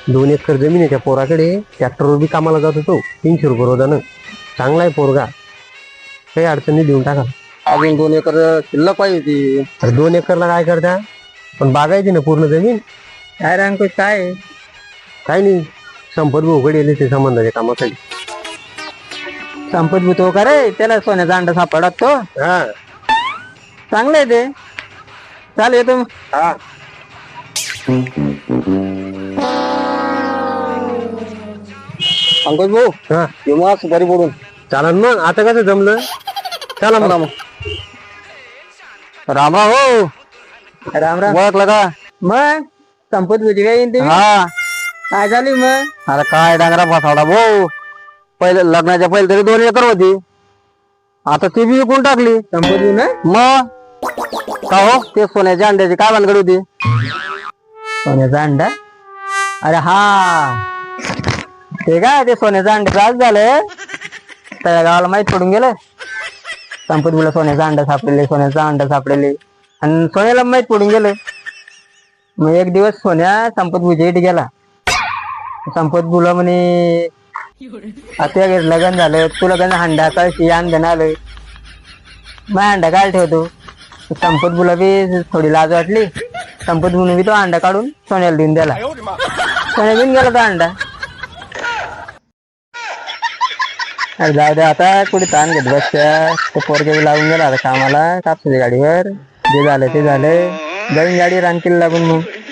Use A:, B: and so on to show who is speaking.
A: 2 acre जमीन आहे त्या पोराकडे. ट्रॅक्टरवर बी कामाला जात होतो, 300 रुपये रोजानं. चांगला आहे पोरगा, काही अडचणी देऊन टाका.
B: अजून 2 एकर शिल्लक पाहिजे होती.
A: अरे 2 एकरला काय करता, पण बागायची ना पूर्ण जमीन.
B: काय रे अंकुश, काय
A: काय नाही, संपत भाऊकडे येले ते संबंधाच्या कामासाठी.
B: संपत भूतो का रे, त्याला सोन्याचा अंडा सापडा तो.
A: हा
B: चांगलं आहे ते. चाल येतो मग.
A: हा
B: अंकुश भाऊ,
A: हा
B: येऊ सुपारी पडून.
A: चालन मग. आता कसं जमलं, चला मग.
B: राम राम हो. राम राम. ओळखलं का? मग संपत भुजी काय येईन तुम्ही? हा. काय झाली मग? अरे काय डांगरा फसावला भाऊ. पहिले लग्नाच्या पहिले तरी 2 एकर होती, आता ती बी विकून टाकली. संपत ना मग. का हो, ते सोन्याच्या अंड्याची काय भानगड होती? सोन्याचा अंडा? अरे हा, ते काय ते सोन्याचा अंड्याचं आज झालं, त्या गावाला माहित पडून गेलं. संपत बुला सोन्याचा अंडा सापडेले, सोन्याचा अंडा सापडेले, आणि सोन्याला माहित पडून गेलं. मग एक दिवस सोन्या संपत बुच्या इथे गेला. संपत बुला म्हणे, आता लग्न झालं, तुला लग्न हंडा कळशी अंधन आलं, मग अंडा काय ठेवतो. संपत बुला बी थोडी लाज वाटली. संपत बुने बी तो अंडा काढून सोन्याला देऊन दिला. सोन्या घेऊन गेला तो अंडा. अरे जाऊ दे आता, कुठे ताण घेत बसत्या. तो पोरगे लागून गेला आता कामाला कापसाच्या गाडीवर. जे झालं ते झालं, जाऊन गाडी रानकीला लागून मग.